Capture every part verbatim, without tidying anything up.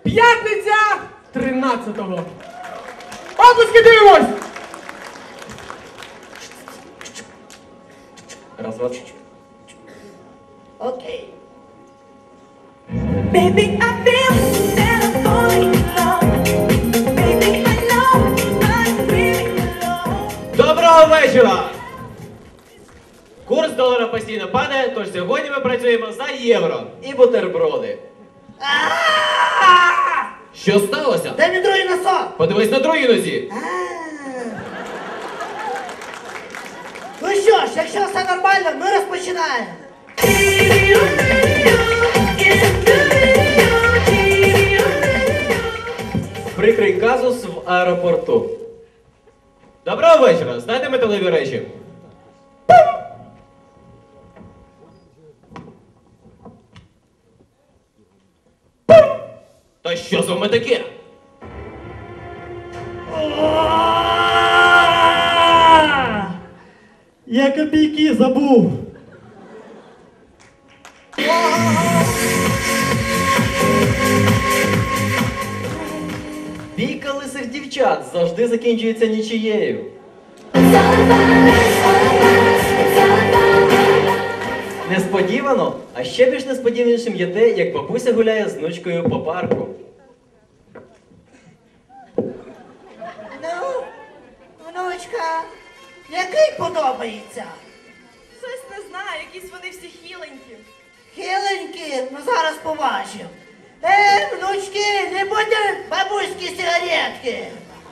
П'ятниця тринадцятого. Обласки дивимось! Раз, два. Окей. Baby, I feel that I'm falling in love. Baby, I know I'm really alone. Доброго вечора! Курс долара постійно падає, тож сьогодні ми працюємо за євро і бутерброди. Що сталося? Дай мені другий носок. Подивись на другій нозі. Ну що ж, якщо все нормально, ми розпочинаємо. Прикрий казус в аеропорту. Доброго вечора! Знаєте металеві речі? Та що з вами таке? Я копійки забув. Бійка лисих дівчат завжди закінчується нічиєю. Несподівано, а ще більш несподіванішим є те, як бабуся гуляє з внучкою по парку. Ну, внучка, який подобається? Щось не знаю, якісь вони всі хіленькі. Хиленькі, ну зараз побачимо. Е, внучки, не будьте бабуські сигаретки.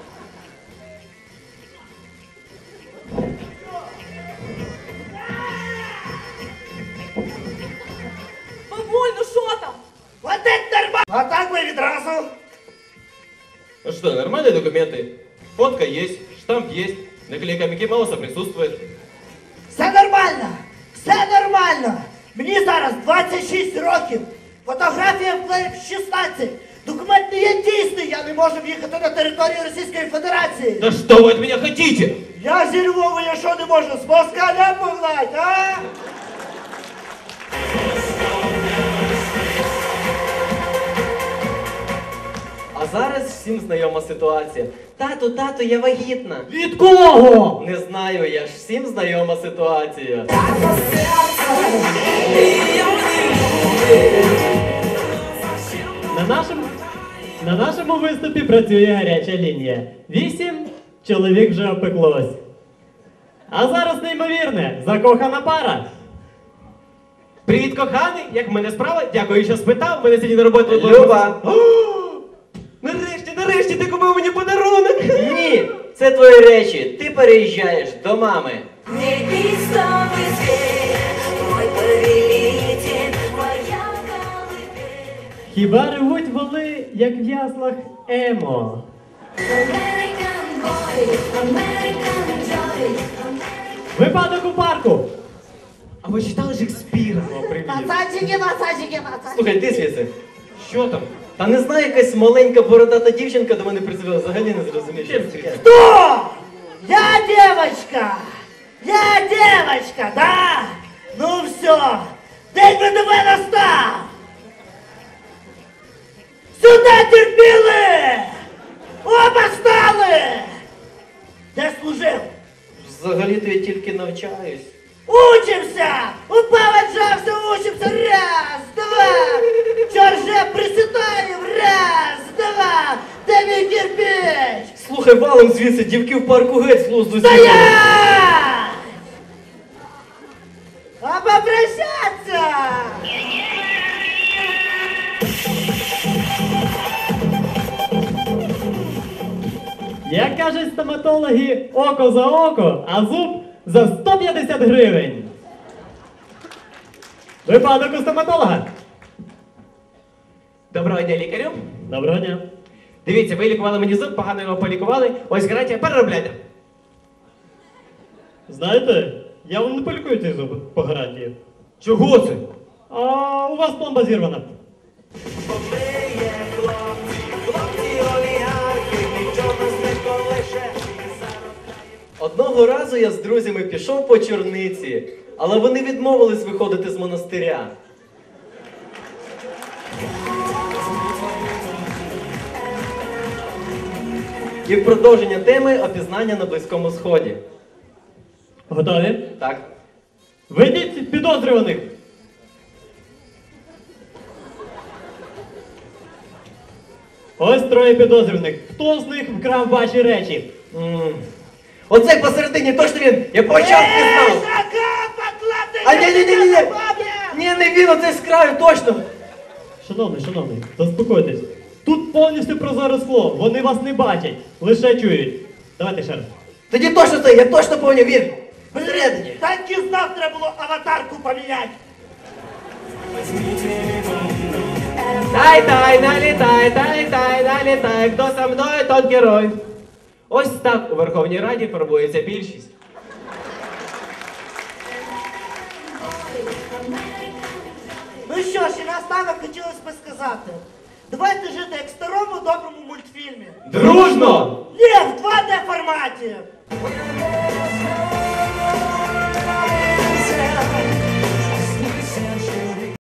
Бабуль, ну що там? Вот это нормально. А так ви відразу. Ну что, нормальные документы? Фотка есть, штамп есть, наклейка Микки Мауса присутствует. Все нормально, все нормально. Мені зараз двадцять шість років. Фотографія в шістнадцять. Документ не є дійсний, я не можу в'їхати на територію Російської Федерації. Да что вы от меня хотите? Я зі Львова, я що не можу з москаля погнать, а? А зараз всім знайома ситуація. Тату, тату, я вагітна. Від кого? Не знаю, я ж всім знайома ситуація. На нашому, на нашому виступі працює гаряча лінія. Вісім чоловік вже опеклось. А зараз неймовірне, закохана пара. Привіт, коханий, як в мене справа? Дякую, що спитав, мене сьогодні на роботу... Люба. О! Нарешті, нарешті, ти купив мені подарунок! Ні, це твої речі. Ти переїжджаєш до мами. Невістовий світ, мой повелитель, моя колыбель. Хіба ревуть воли, як в яслах емо? American boy, American joy, American... Випадок у парку. А ви читали Шекспіра? О, привіт. Пацанчики, пацанчики, пацанчики. Слухай, ти звідси. Що там? Та не знаю, якась маленька бородата дівчинка до мене призвела, взагалі не зрозумів, що це таке. Кто? Я девочка! Я девочка, да? Ну все, день ВДВ настав! Сюда терпіли! Оба стали! Де служив? Взагалі-то я тільки навчаюсь. Учимся! Упав, отжався, учимся! Раз, два! Чорже, присідаємо! Раз, два! Де мій кирпич? Слухай, валом звідси, дівки в парку геть з глузду з'їхали. Стоять! А попрощаться! Як кажуть стоматологи, око за око, а зуб за сто п'ятдесят гривень. Випадок у стоматолога. Доброго дня, лікарю. Доброго дня. Дивіться, ви лікували мені зуб, погано його полікували. Ось гарантія, переробляйте. Знаєте, я вам не полікую цей зуб по гарантії. Чого це? А у вас пломба зірвана. Одного разу я з друзями пішов по чорниці, але вони відмовились виходити з монастиря. І в продовження теми опізнання на Близькому Сході. Готові? Так. Ведіть підозрюваних. Ось троє підозрюваних. Хто з них вкрав ваші речі? М. Оцей посередині, точно він! Я по очам пізнав! А ні, ні, ні, ні, ні! Ні, не він, оцей з краю, точно! Шановний, шановний, заспокойтесь. Тут повністю прозоре скло. Вони вас не бачать, лише чують. Давайте ще раз. Тоді точно це, я точно поняв, він! Посередині! Так і знав, треба було аватарку поміняти. Тай-тай, налітай, тай-тай, налітай, хто со мною, тот герой. Ось так у Верховній Раді формується більшість. Ну що ж, і наостанок хотілося б сказати. Давайте жити як в старому доброму мультфільмі. Дружно! Ні, в два Д форматі.